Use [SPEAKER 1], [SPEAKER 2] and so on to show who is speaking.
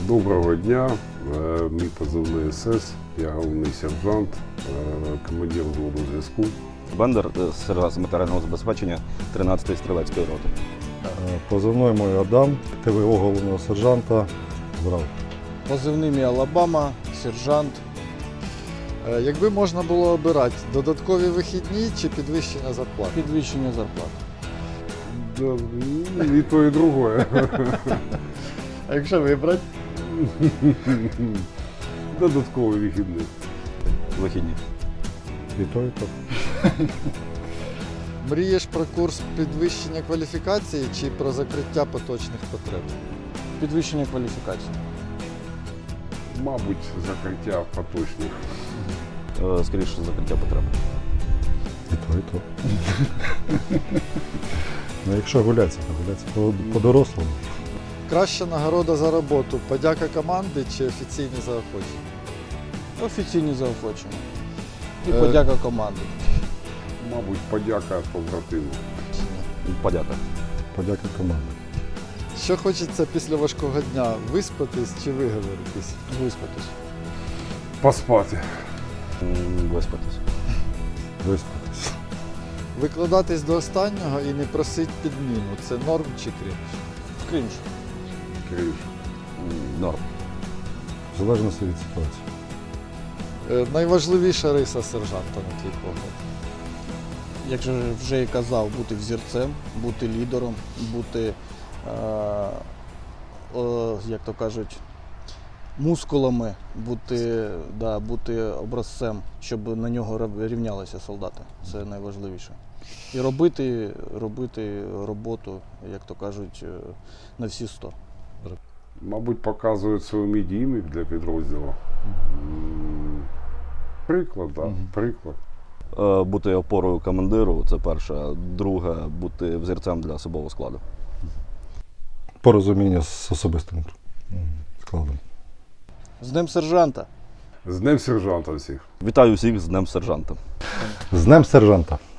[SPEAKER 1] Доброго дня, мій позивний СС, я головний сержант, командир взводу зв'язку.
[SPEAKER 2] Бендер, сержант з матеріального забезпечення 13-ї стрілецької роти.
[SPEAKER 3] Позивний мій Адам, ТВО головного сержанта ЗРАВ.
[SPEAKER 4] Позивний мій Алабама, сержант.
[SPEAKER 5] Якби можна було обирати, додаткові вихідні чи підвищення зарплати?
[SPEAKER 4] Підвищення зарплат.
[SPEAKER 1] Да, і то, і друге.
[SPEAKER 5] А якщо вибрати?
[SPEAKER 1] Додатковий вихідний.
[SPEAKER 2] Вихідні.
[SPEAKER 3] І то, і то.
[SPEAKER 5] Мрієш про курс підвищення кваліфікації чи про закриття поточних потреб?
[SPEAKER 4] Підвищення кваліфікації.
[SPEAKER 1] Мабуть, закриття поточних.
[SPEAKER 2] Скоріше, закриття потреб.
[SPEAKER 3] І то, і то. Ну, якщо гуляться, то гуляться по-дорослому.
[SPEAKER 5] Краща нагорода за роботу – подяка команди чи офіційні заохочення?
[SPEAKER 4] Офіційні заохочення. І подяка команді.
[SPEAKER 1] Мабуть, подяка побратиму.
[SPEAKER 2] Подяка.
[SPEAKER 3] Подяка команді.
[SPEAKER 5] Що хочеться після важкого дня – виспатись чи виговоритись?
[SPEAKER 4] Виспатись.
[SPEAKER 1] Поспати.
[SPEAKER 2] Виспатись.
[SPEAKER 3] Виспатись.
[SPEAKER 5] Викладатись до останнього і не просить підміну – це норм чи крінж?
[SPEAKER 4] Крінж.
[SPEAKER 1] Крінж.
[SPEAKER 2] Норм.
[SPEAKER 3] В залежності від ситуації.
[SPEAKER 5] Найважливіша риса сержанта, на твій погляд?
[SPEAKER 4] Як же вже і казав, бути взірцем, бути лідером, бути, як то кажуть, мускулами, бути образцем, щоб на нього рівнялися солдати. Це найважливіше. І робити роботу, як то кажуть, на всі 100.
[SPEAKER 1] Мабуть, показують свій медійник для підрозділу. Приклад, так, приклад.
[SPEAKER 2] Бути опорою командиру – це перше. Друге – бути взірцем для особового складу.
[SPEAKER 3] Порозуміння з особистим складом.
[SPEAKER 4] З Днем сержанта!
[SPEAKER 1] З Днем сержанта всіх.
[SPEAKER 2] Вітаю всіх з Днем сержанта.
[SPEAKER 3] З Днем сержанта!